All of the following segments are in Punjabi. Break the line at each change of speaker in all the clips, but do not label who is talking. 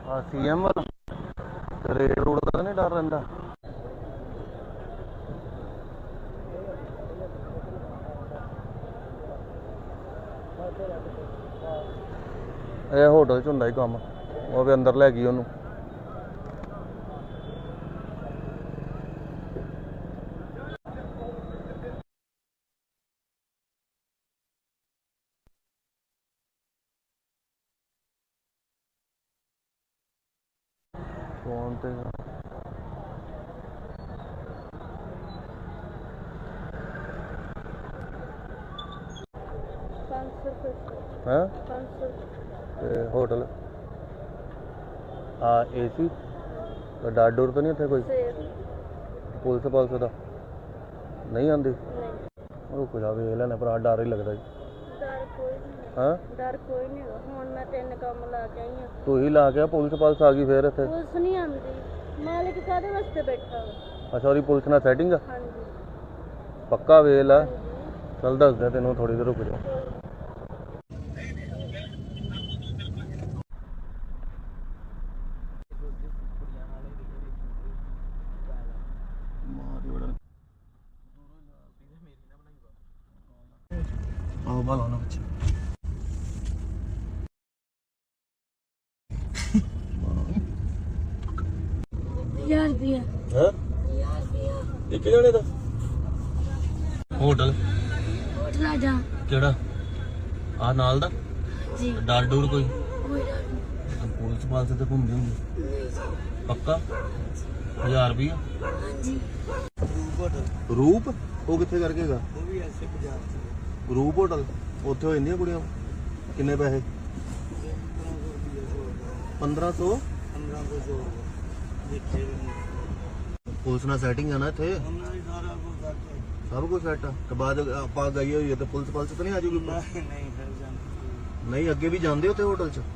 सीएम वाला रेड रोड का नहीं डर रहा। ਇਹ ਹੋਟਲ 'ਚ ਹੁੰਦਾ ਹੀ ਕੰਮ। ਉਹ ਵੀ ਅੰਦਰ ਲੈ ਗਈ ਉਹਨੂੰ। ਫੋਨ ਤੇ ਹੈ होटल AC डर डुर तो नहीं इतने कोई पुलिस पुलिस का नहीं आती रुक जा वेख लेना भरा डर ही लगता
डर कोई नहीं हुण मैं 3 काम ला के आई हां
तू ही ला के पुलिस पुलिस आ गई फिर इतने
पुलिस नहीं आंदी मालिक कादे वास्ते बैठा
अच्छा और पुलिस ना सेटिंग
हां जी
पक्का वेख ला चल दस दे तेन थोड़ी देर रुक जा भालो ना बच्चे
यार दिया
हैं एक जने दा होटल
होटल आ जा
केड़ा आ नाल दा
जी
डर डूर कोई
कोई डर नहीं
पुलिस पाल से तो घूमदी होंदी पक्का 1000 रुपया
हां जी
रूप वो किथे करके गा वो भी ऐसे बाजार से रूप होटल उत्थे हो जांदियां कुड़ियां किन्ने पैसे 1500 पुलिस ना सेटिंग है ना इत्थे सब कुछ सेट है बाद आप गई हुई है तो पुलिस पुलिस तो नहीं आ जाऊगी नहीं अगे भी जाते उत्थे होटल च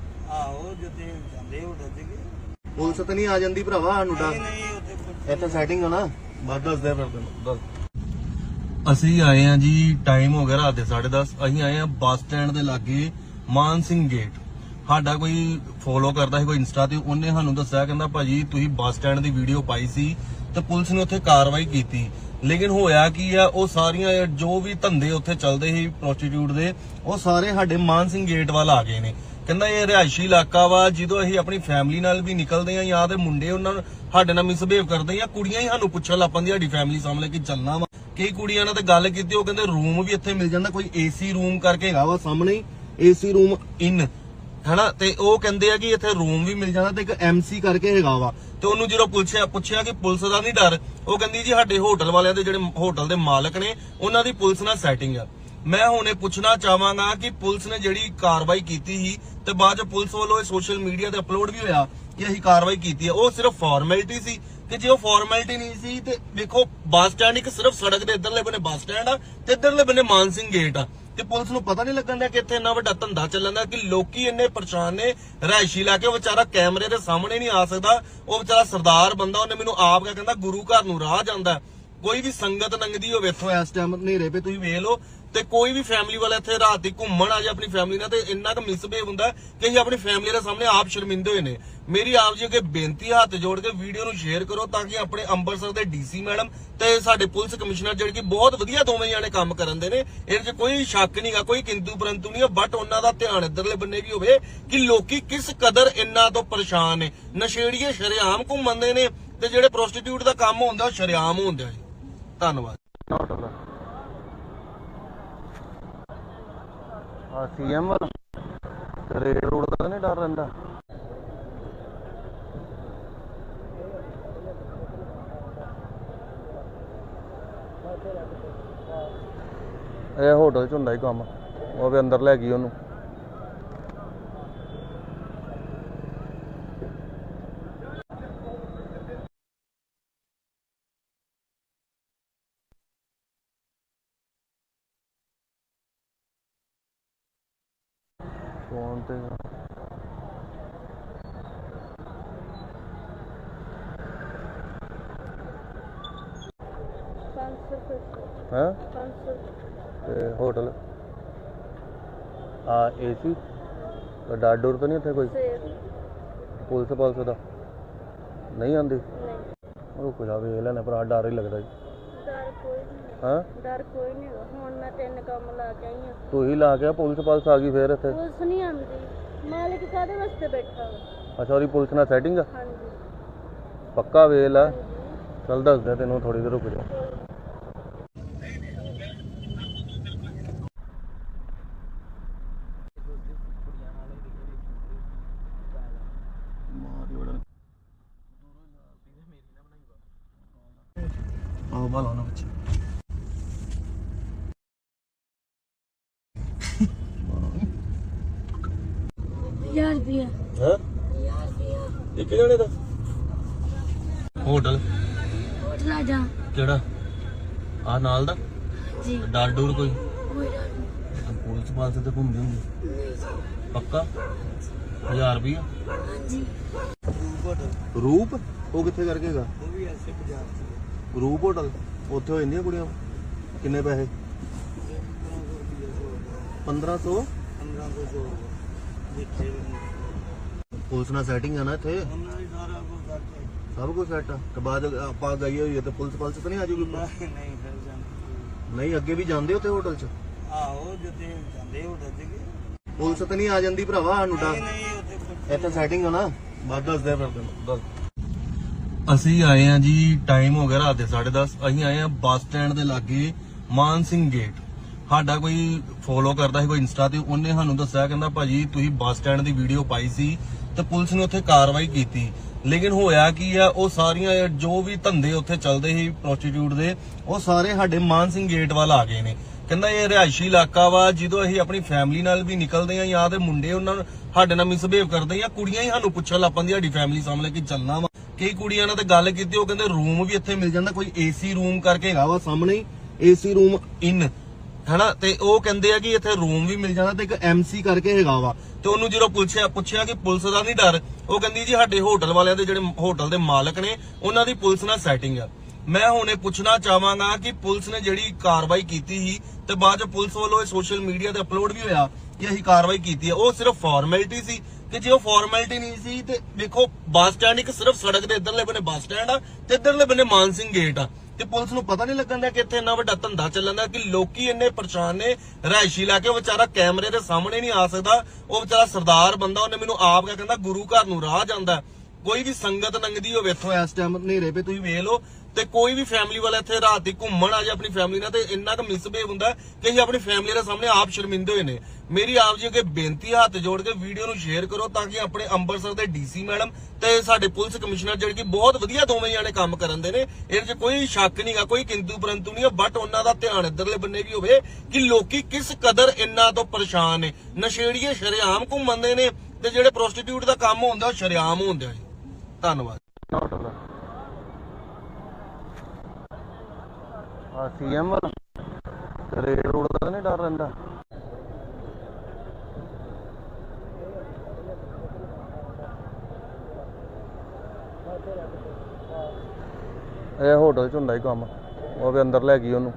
पुलिस तो नहीं आ जाती भरावा सानू डर इत्थे सेटिंग है ना बाद दस दे फिर ਅਸੀਂ ਆਏ ਆ ਜੀ ਟਾਈਮ ਹੋ ਗਿਆ ਰਾਤ ਦੇ 10:30 ਅਸੀਂ ਆਏ ਆ ਬੱਸ ਸਟੈਂਡ ਦੇ ਲਾਗੇ ਮਾਨ ਸਿੰਘ ਗੇਟ ਸਾਡਾ ਕੋਈ ਫੋਲੋ ਕਰਦਾ ਸੀ ਕੋਈ ਇੰਸਟਾ ਤੇ ਉਹਨੇ ਸਾਨੂੰ ਦੱਸਿਆ ਕਹਿੰਦਾ ਭਾਜੀ ਤੁਸੀਂ ਬੱਸ ਸਟੈਂਡ ਦੀ ਵੀਡੀਓ ਪਾਈ ਸੀ ਤੇ ਪੁਲਿਸ ਨੇ ਉੱਥੇ ਕਾਰਵਾਈ ਕੀਤੀ ਲੇਕਿਨ ਹੋਇਆ ਕੀ ਆ ਉਹ ਸਾਰੀਆਂ ਜੋ ਵੀ ਧੰਦੇ ਉੱਥੇ ਚੱਲਦੇ ਸੀ ਪ੍ਰੋਸਟੀਟਿਊਟ ਦੇ ਉਹ ਸਾਰੇ ਸਾਡੇ ਮਾਨ ਸਿੰਘ ਗੇਟ ਵੱਲ ਆ ਗਏ ਨੇ ਕਹਿੰਦਾ ਇਹ ਰਿਹਾਇਸ਼ੀ ਇਲਾਕਾ ਵਾ ਜਦੋਂ ਅਸੀਂ ਆਪਣੀ ਫੈਮਿਲੀ ਨਾਲ ਵੀ ਨਿਕਲਦੇ ਆ ਜਾਂ ਤੇ ਮੁੰਡੇ ਉਹਨਾਂ ਨੂੰ ਸਾਡੇ ਨਾਲ ਮਿਸਬਿਹੇਵ ਕਰਦੇ ਜਾਂ ਕੁੜੀਆਂ ਹੀ ਸਾਨੂੰ ਪੁੱਛਣ ਲੱਗ ਪੈਂਦੀਆਂ ਸਾਡੀ ਫੈਮਿਲੀ ਸਾਹਮਣੇ ਕਿ ਚੱਲਣਾ ਵਾ ਕਈ ਕੁੜੀਆਂ ਨਾਲ ਤੇ ਗੱਲ ਕੀਤੀ ਉਹ ਕਹਿੰਦੇ ਰੂਮ ਵੀ ਇੱਥੇ ਮਿਲ ਜਾਂਦਾ ਕੋਈ ਏਸੀ ਰੂਮ ਕਰਕੇ ਹੈਗਾ ਵਾ ਸਾਹਮਣੇ ਏਸੀ ਰੂਮ ਇਨ ਹੈਨਾ ਤੇ ਉਹ ਕਹਿੰਦੇ ਆ ਕਿ ਇੱਥੇ ਰੂਮ ਵੀ ਮਿਲ ਜਾਂਦਾ ਤੇ ਇੱਕ ਐਮਸੀ ਕਰਕੇ ਹੈਗਾ ਵਾ ਤੇ ਉਹਨੂੰ ਜਦੋਂ ਪੁੱਛਿਆ ਕਿ ਪੁਲਿਸ ਦਾ ਨਹੀਂ ਡਰ ਉਹ ਕਹਿੰਦੀ ਜੀ ਸਾਡੇ ਹੋਟਲ ਵਾਲਿਆਂ ਦੇ ਜਿਹੜੇ ਹੋਟਲ ਦੇ ਮਾਲਕ ਨੇ ਉਹਨਾਂ ਦੀ ਪੁਲਿਸ ਨਾਲ ਸੈਟਿੰਗ ਆ ਮੈਂ ਹੁਣ ਇਹ ਪੁੱਛਣਾ ਚਾਹਾਂਗਾ ਕਿ ਪੁਲਿਸ ਨੇ ਜਿਹੜੀ ਕਾਰਵਾਈ ਕੀਤੀ ਸੀ ਤੇ ਬਾਅਦ ਚ ਪੁਲਿਸ ਵੱਲੋਂ ਇਹ ਸੋਸ਼ਲ ਮੀਡੀਆ ਤੇ ਅਪਲੋਡ ਵੀ ਹੋਇਆ ਕਿ ਅਸੀਂ ਕਾਰਵਾਈ ਕੀਤੀ ਹੈ ਉਹ ਸਿਰਫ ਫਾਰਮੈਲਿਟੀ ਸੀ ਕਿ ਜੇ ਉਹ ਫਾਰਮੈਲਿਟੀ ਨਹੀਂ ਸੀ ਤੇ ਵੇਖੋ ਬੱਸ ਸਟੈਂਡ ਇੱਕ ਸਿਰਫ ਸੜਕ ਦੇ ਇੱਧਰਲੇ ਬੰਨੇ ਬੱਸ ਸਟੈਂਡ ਆ ਤੇ ਇੱਧਰਲੇ ਬੰਨੇ ਮਾਨ ਸਿੰਘ ਗੇਟ ਆ ਤੇ ਪੁਲਿਸ ਨੂੰ ਪਤਾ ਨਹੀਂ ਲੱਗਣ ਦਾ ਕਿ ਇੱਥੇ ਇੰਨਾ ਵੱਡਾ ਧੰਦਾ ਚੱਲਣ ਦਾ ਕਿ ਲੋਕੀ ਇੰਨੇ ਪਰੇਸ਼ਾਨ ਨੇ ਰਿਹਾਇਸ਼ੀ ਲਾ ਕੇ ਉਹ ਵਿਚਾਰਾ ਕੈਮਰੇ ਦੇ ਸਾਹਮਣੇ ਨਹੀਂ ਆ ਸਕਦਾ ਉਹ ਵਿਚਾਰਾ ਸਰਦਾਰ ਬੰਦਾ ਉਹਨੇ ਮੈਨੂੰ ਆਪ ਕਹਿੰਦਾ ਗੁਰੂ ਘਰ ਨੂੰ ਰਾਹ ਜਾਂਦਾ ਕੋਈ ਵੀ ਸੰਗਤ ਲੰਘਦੀ ਹੋਵੇ ਇੱਥੋਂ ਇਸ ਟਾਈਮ ਹਨੇਰੇ ਪੇ ਤੁਸੀਂ ਵੇਖ ਲਓ ਤੇ ਕੋਈ ਵੀ ਫੈਮਿਲੀ ਵਾਲਾ ਇੱਥੇ ਰਾਤ ਦੀ ਘੁੰਮਣ ਆ ਜਾ ਆਪਣੀ ਫੈਮਿਲੀ ਨਾਲ ਤੇ ਇੰਨਾ ਕੁ ਮਿਸਬਿਹੇਵ ਹੁੰਦਾ ਕਿ ਅਸੀਂ ਆਪਣੀ ਫੈਮਿਲੀ ਦੇ ਸਾਹਮਣੇ ਆਪ ਸ਼ਰਮਿੰਦੇ ਹੋਏ ਨੇ ਮੇਰੀ ਆਪ ਜੀ ਅੱਗੇ ਬੇਨਤੀ ਹੱਥ ਜੋੜ ਕੇ ਵੀਡੀਓ ਨੂੰ ਸ਼ੇਅਰ ਕਰੋ ਤਾਂ ਕਿ ਆਪਣੇ ਅੰਮ੍ਰਿਤਸਰ ਦੇ ਡੀਸੀ ਮੈਡਮ ਤੇ ਸਾਡੇ ਪੁਲਿਸ ਕਮਿਸ਼ਨਰ ਜਿਹੜੇ ਕਿ ਬਹੁਤ ਵਧੀਆ ਦੋਵੇਂ ਜਾਣੇ ਕੰਮ ਕਰਨ ਦੇ ਨੇ ਇਹਦੇ 'ਚ ਕੋਈ ਸ਼ੱਕ ਨਹੀਂਗਾ ਕੋਈ ਕਿੰਤੂ ਪਰੰਤੂ ਨਹੀਂ ਬਟ ਉਹਨਾਂ ਦਾ ਧਿਆਨ ਇੱਧਰਲੇ ਬੰਨੇ ਵੀ ਹੋਵੇ ਕਿ ਲੋਕੀ ਕਿਸ ਕਦਰ ਇੰਨਾ ਤੋਂ ਪਰੇਸ਼ਾਨ ਨੇ ਨਸ਼ੇੜੀਏ ਸ਼ਰੇਆਮ ਘੁੰਮਦੇ ਨੇ ਤੇ ਜਿਹੜੇ ਪ੍ਰੋਸਟੀਟਿਊਟ ਦਾ ਕੰਮ ਹੁੰਦਾ ਉਹ ਸ਼ਰੇਆਮ ਹੁੰਦਾ ਜੀ ਧੰਨਵਾਦ सीएम वाला रेड रोड का नहीं डर रहा ਇਹ ਹੋਟਲ 'ਚ ਹੁੰਦਾ ਹੀ ਕੰਮ ਉਹ ਵੀ ਅੰਦਰ ਲੈ ਗਈ ਉਹਨੂੰ ਫੋਨ ਤੇ है होटल AC डर डुर तो नहीं इतने कोई ਪੁਲਿਸ ਦਾ ਨਹੀਂ ਆਂਦੀ ਰੁਕ ਜਾ ਵੇਖ ਲੈਣੇ ਭਰਾ ਡਰ ਹੀ ਲੱਗਦਾ ਜੀ
ਡਰ ਕੋਈ ਨਹੀਂ
ਹਾਂ
ਡਰ ਕੋਈ ਨਹੀਂ ਹੁਣ ਮੈਂ 3 ਕੰਮ ਲਾ ਕੇ ਆਈ ਹਾਂ
ਤੂੰ ਹੀ ਲਾ ਕੇ ਪੁਲਿਸ ਆ ਗਈ ਫੇਰ ਇੱਥੇ
ਪੁਲਿਸ ਨਹੀਂ ਆਉਂਦੀ ਮਾਲਿਕ ਕਾਹਦੇ ਵਾਸਤੇ ਬੈਠਾ ਵਾ
ਅੱਛਾ ਉਹਦੀ ਪੁਲਿਸ ਨਾਲ ਸੈਟਿੰਗ ਆ
ਹਾਂਜੀ
ਪੱਕਾ ਵੇਲ ਆ ਚੱਲ ਦੱਸਦਾ ਤੈਨੂੰ ਥੋੜੀ ਦੇਰ ਰੁਕ ਜਾ ਆਹ ਬਾਲਾ ਨਾ ਬੱਚੇ
1000 ਰੁਪਿਆ
ਹਾਂ
1000 ਰੁਪਿਆ
ਇੱਕ ਜਣੇ ਦਾ ਹੋਟਲ
ਆ ਜਾ
ਕਿਹੜਾ ਆ ਨਾਲ ਦਾ
ਜੀ
ਡਰ ਡੂਰ ਕੋਈ
ਕੋਈ ਡਰ ਨਹੀਂ
ਪੁਲਿਸ ਪਾਸ ਤੇ ਘੁੰਮਦੇ ਹੁੰਦੇ
ਨਹੀਂ ਜੀ
ਪੱਕਾ 1000 ਰੁਪਇਆ
ਹਾਂਜੀ
ਰੂਪ ਉਹ ਕਿੱਥੇ ਕਰਕੇ ਹੈਗਾ
ਉਹ ਵੀ ਐਸੇ ਪੰਜਾਬ
ਰੂਪ ਹੋਟਲ ਉੱਥੇ ਹੋ ਜਾਂਦੀਆਂ ਕੁੜੀਆਂ ਕਿੰਨੇ ਪੈਸੇ 1500
1500 ਜਿੱਥੇ
ਪੁਲਿਸ ਨਾਲ ਸੈਟਿੰਗ ਆ ਨਾ ਇੱਥੇ
ਉਹਨਾਂ ਦੀ ਸਾਰਾ ਕੁਝ ਕਰਕੇ
ਸਭ ਕੁਝ ਸੈੱਟ ਆ ਤੇ ਬਾਅਦ ਆਪਾਂ ਗਈ ਹੋਈ ਹੈ ਤੇ ਪੁਲਿਸ ਤਾਂ ਨਹੀਂ ਆ ਜੂਗੀ
ਨਹੀਂ ਫਿਰ ਜਾਂਦੇ
ਨਹੀਂ ਅੱਗੇ ਵੀ ਜਾਂਦੇ ਉੱਥੇ ਹੋਟਲ 'ਚ
ਆਹੋ ਜਿੱਥੇ ਜਾਂਦੇ ਹੋਟਲ ਤੇ
ਪੁਲਿਸ ਤਾਂ ਨਹੀਂ ਆ ਜਾਂਦੀ ਭਰਾਵਾ ਸਾਨੂੰ ਡਰ
ਨਹੀਂ ਉੱਥੇ
ਇੱਥੇ ਸੈਟਿੰਗ ਆ ਨਾ ਬਾਅਦ ਦੱਸਦੇ ਫਿਰ ਤੈਨੂੰ ਦੱਸ ਅਸੀਂ ਆਏ ਆ ਜੀ ਟਾਈਮ ਹੋ ਗਿਆ ਰਾਤ ਦੇ 10:30 ਅਸੀਂ ਆਏ ਆ ਬੱਸ ਸਟੈਂਡ ਦੇ ਲਾਗੇ ਮਾਨ ਸਿੰਘ ਗੇਟ ਸਾਡਾ ਕੋਈ ਫੋਲੋ ਕਰਦਾ ਸੀ ਕੋਈ ਇੰਸਟਾ ਤੇ ਉਹਨੇ ਸਾਨੂੰ ਦੱਸਿਆ ਕਹਿੰਦਾ ਭਾਜੀ ਤੁਸੀਂ ਬੱਸ ਸਟੈਂਡ ਦੀ ਵੀਡੀਓ ਪਾਈ ਸੀ ਤੇ ਪੁਲਿਸ ਨੇ ਉੱਥੇ ਕਾਰਵਾਈ ਕੀਤੀ ਲੇਕਿਨ ਹੋਇਆ ਕੀ ਆ ਉਹ ਸਾਰੀਆਂ ਜੋ ਵੀ ਧੰਦੇ ਉੱਥੇ ਚੱਲਦੇ ਸੀ ਪ੍ਰੋਸਟੀਟਿਊਟ ਦੇ ਉਹ ਸਾਰੇ ਸਾਡੇ ਮਾਨ ਸਿੰਘ ਗੇਟ ਵੱਲ ਆ ਗਏ ਨੇ ਕਹਿੰਦਾ ਇਹ ਰਿਹਾਇਸ਼ੀ ਇਲਾਕਾ ਵਾ ਜਦੋਂ ਅਸੀਂ ਆਪਣੀ ਫੈਮਿਲੀ ਨਾਲ ਵੀ ਨਿਕਲਦੇ ਆ ਜਾਂ ਤੇ ਮੁੰਡੇ ਉਹਨਾਂ ਨੂੰ ਸਾਡੇ ਨਾਲ ਮਿਸਬਿਹੇਵ ਕਰਦੇ ਆ ਕੁੜੀਆਂ ਹੀ ਸਾਨੂੰ ਪੁੱਛਣ ਲੱਗ ਪੈਂਦੀਆਂ ਸਾਡੀ ਫੈਮਿਲੀ ਸਾਹਮਣੇ ਕਿ ਚੱਲਣਾ ਵਾ ਕਈ ਕੁੜੀਆਂ ਨਾਲ ਤੇ ਗੱਲ ਕੀਤੀ ਉਹ ਕਹਿੰਦੇ ਰੂਮ ਵੀ ਇੱਥੇ ਮਿਲ ਜਾਂਦਾ ਕੋਈ ਏਸੀ ਰੂਮ ਕਰਕੇ ਹੈਗਾ ਵਾ ਸਾਹਮਣੇ ਹੀ ਏਸੀ ਰੂਮ ਇਨ ਹਨਾ ਤੇ ਉਹ ਕਹਿੰਦੇ ਆ ਕਿ ਇੱਥੇ ਰੂਮ ਵੀ ਮਿਲ ਜਾਂਦਾ ਤੇ ਇੱਕ ਐਮਸੀ ਕਰਕੇ ਹੈਗਾ ਵਾ ਤੇ ਉਹਨੂੰ ਜਦੋਂ ਪੁੱਛਿਆ ਕਿ ਪੁਲਿਸ ਦਾ ਨਹੀਂ ਡਰ ਉਹ ਕਹਿੰਦੀ ਜੀ ਸਾਡੇ ਹੋਟਲ ਵਾਲਿਆਂ ਦੇ ਜਿਹੜੇ ਹੋਟਲ ਦੇ ਮਾਲਕ ਨੇ ਉਹਨਾਂ ਦੀ ਪੁਲਿਸ ਨਾਲ ਸੈਟਿੰਗ ਆ ਮੈਂ ਹੁਣ ਇਹ ਪੁੱਛਣਾ ਚਾਹਾਂਗਾ ਕਿ ਪੁਲਿਸ ਨੇ ਜਿਹੜੀ ਕਾਰਵਾਈ ਕੀਤੀ ਸੀ ਤੇ ਬਾਅਦ ਚ ਪੁਲਿਸ ਵੱਲੋਂ ਇਹ ਸੋਸ਼ਲ ਮੀਡੀਆ ਤੇ ਅਪਲੋਡ ਵੀ ਹੋਇਆ ਕਿ ਅਸੀਂ ਕਾਰਵਾਈ ਕੀਤੀ ਹੈ ਉਹ ਸਿਰਫ ਫਾਰਮੈਲਿਟੀ ਸੀ ਕਿ ਜੇ ਉਹ ਫਾਰਮੈਲਿਟੀ ਨਹੀਂ ਸੀ ਤੇ ਦੇਖੋ ਬੱਸ ਸਟੈਂਡ ਇੱਕ ਸਿਰਫ ਸੜਕ ਦੇ ਇੱਧਰਲੇ ਬੰਨੇ ਬੱਸ ਸਟੈਂਡ ਆ ਤੇ ਇੱਧਰਲੇ ਬੰਨੇ ਮਾਨ ਸਿੰਘ ਗੇਟ ਆ ਤੇ ਪੁਲਿਸ ਨੂੰ ਪਤਾ ਨਹੀਂ ਲੱਗਣ ਦਾ ਕਿ ਇੱਥੇ ਇੰਨਾ ਵੱਡਾ ਧੰਦਾ ਚੱਲਣ ਦਾ ਕਿ ਲੋਕੀ ਇੰਨੇ ਪਰੇਸ਼ਾਨ ਨੇ ਰਿਹਾਇਸ਼ੀ ਇਲਾਕੇ ਉਹ ਵਿਚਾਰਾ ਕੈਮਰੇ ਦੇ ਸਾਹਮਣੇ ਨਹੀਂ ਆ ਸਕਦਾ ਉਹ ਵਿਚਾਰਾ ਸਰਦਾਰ ਬੰਦਾ ਉਹਨੇ ਮੈਨੂੰ ਆਪ ਕਹਿੰਦਾ ਗੁਰੂ ਘਰ ਨੂੰ ਰਾਹ ਜਾਂਦਾ ਕੋਈ ਵੀ ਸੰਗਤ ਲੰਘਦੀ ਹੋਵੇ ਇੱਥੋਂ ਇਸ ਟਾਈਮ ਹਨੇਰੇ ਪੇ ਤੁਸੀਂ ਵੇਖ ਲਓ ਤੇ ਕੋਈ ਵੀ ਫੈਮਿਲੀ ਵਾਲਾ ਇੱਥੇ ਰਾਤ ਦੀ ਘੁੰਮਣ ਆ ਜਾ ਆਪਣੀ ਫੈਮਿਲੀ ਨਾਲ ਤੇ ਇੰਨਾ ਕੁ ਮਿਸਬਿਹੇਵ ਹੁੰਦਾ ਕਿ ਅਸੀਂ ਆਪਣੀ ਫੈਮਿਲੀ ਦੇ ਸਾਹਮਣੇ ਆਪ ਸ਼ਰਮਿੰਦੇ ਹੋਏ ਨੇ ਮੇਰੀ ਆਪ ਜੀ ਅੱਗੇ ਬੇਨਤੀ ਹੱਥ ਜੋੜ ਕੇ ਵੀਡੀਓ ਨੂੰ ਸ਼ੇਅਰ ਕਰੋ ਤਾਂ ਕਿ ਆਪਣੇ ਅੰਮ੍ਰਿਤਸਰ ਦੇ ਡੀਸੀ ਮੈਡਮ ਤੇ ਸਾਡੇ ਪੁਲਿਸ ਕਮਿਸ਼ਨਰ ਜਿਹੜੇ ਕਿ ਬਹੁਤ ਵਧੀਆ ਦੋਵੇਂ ਜਾਣੇ ਕੰਮ ਕਰਨ ਦੇ ਨੇ ਇਹਦੇ 'ਚ ਕੋਈ ਸ਼ੱਕ ਨਹੀਂਗਾ ਕੋਈ ਕਿੰਤੂ ਪਰੰਤੂ ਨਹੀਂ ਬਟ ਉਹਨਾਂ ਦਾ ਧਿਆਨ ਇੱਧਰਲੇ ਬੰਨੇ ਵੀ ਹੋਵੇ ਕਿ ਲੋਕੀ ਕਿਸ ਕਦਰ ਇੰਨਾ ਤੋਂ ਪਰੇਸ਼ਾਨ ਨੇ ਨਸ਼ੇੜੀਏ ਸ਼ਰੇਆਮ ਘੁੰਮਦੇ ਨੇ ਤੇ ਜਿਹੜੇ ਪ੍ਰੋਸਟੀਟਿਊਟ ਦਾ ਕੰਮ ਹੁੰਦਾ ਉਹ ਸ਼ਰੇਆਮ ਹੁੰਦਾ ਜੀ ਧੰਨਵਾਦ ਸੀਐਮ ਵਾਲਾ ਰੇਡ ਰੋਡ ਦਾ ਨਹੀਂ ਡਰ ਰਹਿੰਦਾ ਇਹ ਹੋਟਲ ਚ ਹੁੰਦਾ ਹੀ ਕੰਮ ਉਹ ਵੀ ਅੰਦਰ ਲੈ ਗਈ ਉਹਨੂੰ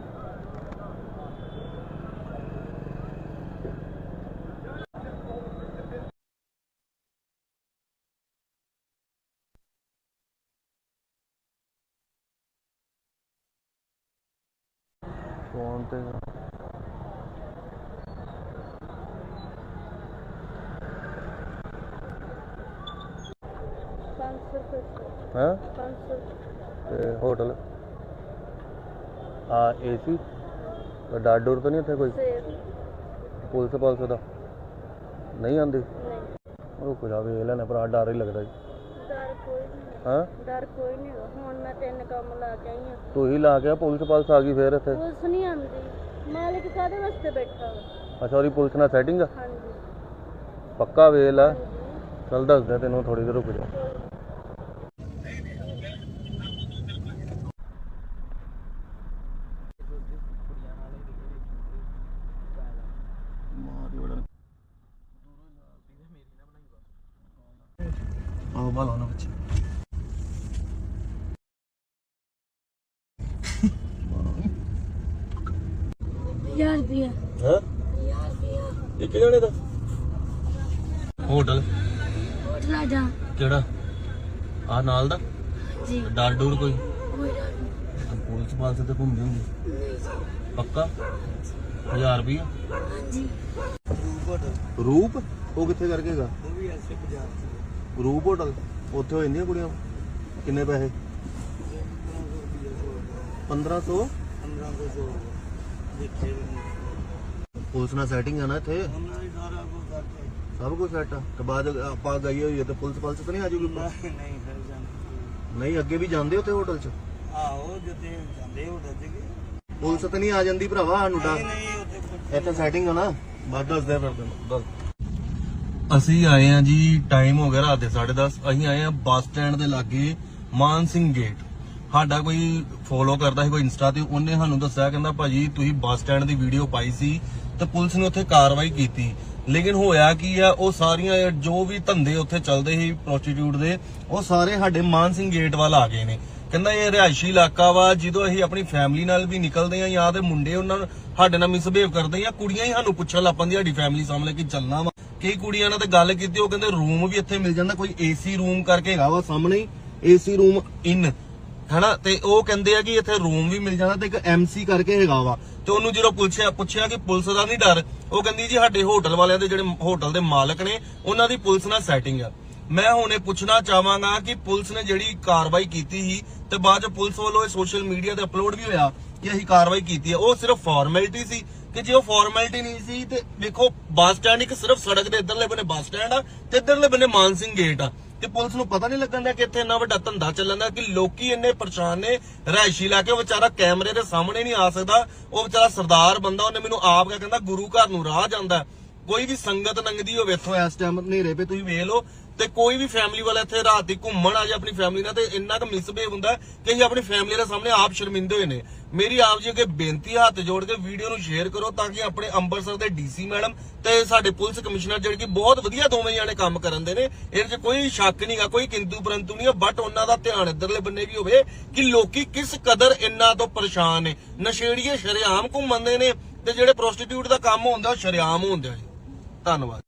ਫੋਨ ਤੇ ਹੈ
500
ਤੇ ਹੋਟਲ ਆ ਏਸੀ ਡਰ ਡੋਰ ਤਾਂ ਨਹੀਂ ਉੱਥੇ ਕੋਈ ਪੁਲਿਸ ਦਾ ਨਹੀਂ ਆਂਦੀ ਰੁਕ ਜਾ ਵੇਖ ਲੈਣੇ ਭਰਾ ਡਰ ਹੀ ਲੱਗਦਾ ਜੀ
ਡਰ ਕੋਈ ਨਹੀਂ
ਹਾਂ
ਡਰ ਕੋਈ ਨਹੀਂ ਹੁਣ ਮੈਂ 3 ਕੰਮ ਲਾ ਕੇ ਆਈ ਹਾਂ
ਤੂੰ ਹੀ ਲਾ ਕੇ ਪੁਲਿਸ ਆ ਗਈ ਫੇਰ ਇੱਥੇ
ਪੁਲਿਸ ਨਹੀਂ ਆਉਂਦੀ ਮਾਲਿਕ ਕਾਹਦੇ ਵਾਸਤੇ ਬੈਠਾ ਵਾ
ਅੱਛਾ ਉਹਦੀ ਪੁਲਿਸ ਨਾਲ ਸੈਟਿੰਗ ਆ
ਹਾਂਜੀ
ਪੱਕਾ ਵੇਲ ਆ ਚੱਲ ਦੱਸਦਾ ਤੈਨੂੰ ਥੋੜੀ ਦੇਰ ਰੁਕ ਜਾ ਆਹ ਬਾਲਾ ਨਾ ਬੱਚੇ
1000 ਰੁਪਿਆ
ਹਾਂ
1000 ਰੁਪਿਆ
ਇੱਕ ਜਣੇ ਦਾ ਹੋਟਲ
ਆ ਜਾ
ਕਿਹੜਾ ਆ ਨਾਲ ਦਾ
ਜੀ
ਡਰ ਡੂਰ ਕੋਈ
ਕੋਈ ਡਰ ਨਹੀਂ।
ਪੁਲਿਸ ਪਾਲਸ ਤੇ ਘੁੰਮਦੀ ਹੁੰਦੀ
ਨਹੀਂ ਜੀ।
ਪੱਕਾ 1000 ਰੁਪਇਆ
ਹਾਂਜੀ
ਰੂਪ ਹੋਟਲ
ਰੂਪ ਉਹ ਕਿੱਥੇ ਕਰਕੇ ਹੈਗਾ
ਉਹ ਵੀ ਐਸੇ ਬਾਜ਼ਾਰ ਚ
ਰੂਪ ਹੋਟਲ ਉੱਥੇ ਹੋ ਜਾਂਦੀਆਂ ਕੁੜੀਆਂ ਕਿੰਨੇ ਪੈਸੇ 1500
1500 ਦੇਖੇ
ਪੁਲਿਸ ਨਾਲ ਸੈਟਿੰਗ ਆ ਨਾ ਇੱਥੇ
ਉਹਨਾਂ ਦੀ ਸਾਰਾ ਕੁਝ ਕਰਕੇ
ਸਭ ਕੁਝ ਸੈੱਟ ਆ ਤੇ ਬਾਅਦ ਆਪਾਂ ਗਈ ਹੋਈ ਹੈ ਤੇ ਪੁਲਿਸ ਪਾਲਸ ਤਾਂ ਨਹੀਂ ਆ ਜੂਗੀ
ਨਹੀਂ ਫਿਰ ਜਾਂਦੇ
ਨਹੀਂ ਅੱਗੇ ਵੀ ਜਾਂਦੇ ਉੱਥੇ ਹੋਟਲ 'ਚ
ਆਹੋ ਜਿੱਥੇ ਜਾਂਦੇ ਹੋਟਲ ਚ
ਪੁਲਿਸ ਤਾਂ ਨਹੀਂ ਆ ਜਾਂਦੀ ਭਰਾਵਾ ਸਾਨੂੰ ਡਰ
ਨਹੀਂ ਉੱਥੇ ਕੁਛ
ਇੱਥੇ ਸੈਟਿੰਗ ਆ ਨਾ ਬਾਅਦ ਦੱਸਦੇ ਫਿਰ ਤੈਨੂੰ ਦੱਸ ਅਸੀਂ ਆਏ ਆ ਜੀ ਟਾਈਮ ਹੋ ਗਿਆ ਰਾਤ ਦੇ 10:30 ਅਸੀਂ ਆਏ ਆ ਬੱਸ ਸਟੈਂਡ ਦੇ ਲਾਗੇ ਮਾਨ ਸਿੰਘ ਗੇਟ ਸਾਡਾ ਕੋਈ ਫੋਲੋ ਕਰਦਾ ਸੀ ਕੋਈ ਇੰਸਟਾ ਤੇ ਉਹਨੇ ਸਾਨੂੰ ਦੱਸਿਆ ਕਹਿੰਦਾ ਭਾਜੀ ਤੁਸੀਂ ਬੱਸ ਸਟੈਂਡ ਦੀ ਵੀਡੀਓ ਪਾਈ ਸੀ ਤੇ ਪੁਲਿਸ ਨੇ ਉੱਥੇ ਕਾਰਵਾਈ ਕੀਤੀ ਲੇਕਿਨ ਹੋਇਆ ਕੀ ਆ ਉਹ ਸਾਰੀਆਂ ਜੋ ਵੀ ਧੰਦੇ ਉੱਥੇ ਚੱਲਦੇ ਸੀ ਪ੍ਰੋਸਟੀਟਿਊਟ ਦੇ ਉਹ ਸਾਰੇ ਸਾਡੇ ਮਾਨ ਸਿੰਘ ਗੇਟ ਵੱਲ ਆ ਗਏ ਨੇ ਕਹਿੰਦਾ ਇਹ ਰਿਹਾਇਸ਼ੀ ਇਲਾਕਾ ਵਾ ਜਦੋਂ ਅਸੀਂ ਆਪਣੀ ਫੈਮਿਲੀ ਨਾਲ ਵੀ ਨਿਕਲਦੇ ਆ ਜਾਂ ਤੇ ਮੁੰਡੇ ਉਹਨਾਂ ਨੂੰ ਸਾਡੇ ਨਾਲ ਮਿਸਬਿਹੇਵ ਕਰਦੇ ਆ ਕੁੜੀਆਂ ਹੀ ਸਾਨੂੰ ਪੁੱਛਣ ਲੱਗ ਪੈਂਦੀਆਂ ਸਾਡੀ ਫੈਮਿਲੀ ਸਾਹਮਣੇ ਕਿ ਚੱਲਣਾ ਵਾ ਕਈ ਕੁੜੀਆਂ ਨਾਲ ਤੇ ਗੱਲ ਕੀਤੀ ਉਹ ਕਹਿੰਦੇ ਰੂਮ ਵੀ ਇੱਥੇ ਮਿਲ ਜਾਂਦਾ ਕੋਈ ਏਸੀ ਰੂਮ ਕਰਕੇ ਹੈਗਾ ਵਾ ਸਾਹਮਣੇ ਹੀ ਏਸੀ ਰੂਮ ਇਨ ਹਨਾ ਤੇ ਉਹ ਕਹਿੰਦੇ ਆ ਕਿ ਇੱਥੇ ਰੂਮ ਵੀ ਮਿਲ ਜਾਂਦਾ ਤੇ ਇੱਕ ਐਮਸੀ ਕਰਕੇ ਹੈਗਾ ਵਾ ਤੇ ਉਹਨੂੰ ਜਦੋਂ ਪੁੱਛਿਆ ਕਿ ਪੁਲਿਸ ਦਾ ਨਹੀਂ ਡਰ ਉਹ ਕਹਿੰਦੀ ਜੀ ਸਾਡੇ ਹੋਟਲ ਵਾਲਿਆਂ ਦੇ ਜਿਹੜੇ ਹੋਟਲ ਦੇ ਮਾਲਕ ਨੇ ਉਹਨਾਂ ਦੀ ਪੁਲਿਸ ਨਾਲ ਸੈਟਿੰਗ ਆ ਮੈਂ ਹੁਣ ਇਹ ਪੁੱਛਣਾ ਚਾਹਾਂਗਾ ਕਿ ਪੁਲਿਸ ਨੇ ਜਿਹੜੀ ਕਾਰਵਾਈ ਕੀਤੀ ਸੀ ਤੇ ਬਾਅਦ ਚ ਪੁਲਿਸ ਵੱਲੋਂ ਇਹ ਸੋਸ਼ਲ ਮੀਡੀਆ ਤੇ ਅਪਲੋਡ ਵੀ ਹੋਇਆ ਕਿ ਅਸੀਂ ਕਾਰਵਾਈ ਕੀਤੀ ਹੈ ਉਹ ਸਿਰਫ ਫਾਰਮੈਲਿਟੀ ਸੀ ਕਿ ਜੇ ਉਹ ਫਾਰਮੈਲਿਟੀ ਨਹੀਂ ਸੀ ਤੇ ਦੇਖੋ ਬੱਸ ਸਟੈਂਡ ਇੱਕ ਸਿਰਫ ਸੜਕ ਦੇ ਇੱਧਰਲੇ ਬੰਨੇ ਬੱਸ ਸਟੈਂਡ ਆ ਤੇ ਇੱਧਰਲੇ ਬੰਨੇ ਮਾਨ ਸਿੰਘ ਗੇਟ ਆ ਤੇ ਪੁਲਿਸ ਨੂੰ ਪਤਾ ਨਹੀਂ ਲੱਗਣ ਦਾ ਕਿ ਇੱਥੇ ਇੰਨਾ ਵੱਡਾ ਧੰਦਾ ਚੱਲਣ ਦਾ ਕਿ ਲੋਕੀ ਇੰਨੇ ਪਰੇਸ਼ਾਨ ਨੇ ਰਿਹਾਇਸ਼ੀ ਇਲਾਕੇ ਵਿਚਾਰਾ ਕੈਮਰੇ ਦੇ ਸਾਹਮਣੇ ਨਹੀਂ ਆ ਸਕਦਾ ਉਹ ਵਿਚਾਰਾ ਸਰਦਾਰ ਬੰਦਾ ਉਹਨੇ ਮੈਨੂੰ ਆਪ ਕਹਿੰਦਾ ਗੁਰੂ ਘਰ ਨੂੰ ਰਾਹ ਜਾਂਦਾ ਕੋਈ ਵੀ ਸੰਗਤ ਲੰਘਦੀ ਹੋਵੇ ਇੱਥੋਂ ਇਸ ਟਾਈਮ ਹਨੇਰੇ ਪੇ ਤੁਸੀਂ ਵੇਖ ਲਓ ਤੇ ਕੋਈ ਵੀ ਫੈਮਿਲੀ ਵਾਲਾ ਇੱਥੇ ਰਾਤ ਦੀ ਘੁੰਮਣ ਆ ਜਾ ਆਪਣੀ ਫੈਮਿਲੀ ਨਾਲ ਤੇ ਇੰਨਾ ਕੁ ਮਿਸਬਿਹੇਵ ਹੁੰਦਾ ਕਿ ਅਸੀਂ ਆਪਣੀ ਫੈਮਿਲੀ ਦੇ ਸਾਹਮਣੇ ਆਪ ਸ਼ਰਮਿੰਦੇ ਹੋਏ ਨੇ ਮੇਰੀ ਆਪ ਜੀ ਅੱਗੇ ਬੇਨਤੀ ਹੱਥ ਜੋੜ ਕੇ ਵੀਡੀਓ ਨੂੰ ਸ਼ੇਅਰ ਕਰੋ ਤਾਂ ਕਿ ਆਪਣੇ ਅੰਮ੍ਰਿਤਸਰ ਦੇ ਡੀਸੀ ਮੈਡਮ ਤੇ ਸਾਡੇ ਪੁਲਿਸ ਕਮਿਸ਼ਨਰ ਜਿਹੜੇ ਕਿ ਬਹੁਤ ਵਧੀਆ ਦੋਵੇਂ ਜਾਣੇ ਕੰਮ ਕਰਨ ਦੇ ਨੇ ਇਹਦੇ 'ਚ ਕੋਈ ਸ਼ੱਕ ਨਹੀਂਗਾ ਕੋਈ ਕਿੰਤੂ ਪਰੰਤੂ ਨਹੀਂ ਬਟ ਉਹਨਾਂ ਦਾ ਧਿਆਨ ਇੱਧਰਲੇ ਬੰਨੇ ਵੀ ਹੋਵੇ ਕਿ ਲੋਕੀ ਕਿਸ ਕਦਰ ਇੰਨਾ ਤੋਂ ਪਰੇਸ਼ਾਨ ਨੇ ਨਸ਼ੇੜੀਏ ਸ਼ਰੇਆਮ ਘੁੰਮਦੇ ਨੇ ਤੇ ਜਿਹੜੇ ਪ੍ਰੋਸਟੀਟਿਊਟ ਦਾ ਕੰਮ ਹੁੰਦਾ ਉਹ ਸ਼ਰੇਆਮ ਹੁੰਦਾ ਹੈ ਧੰਨਵਾਦ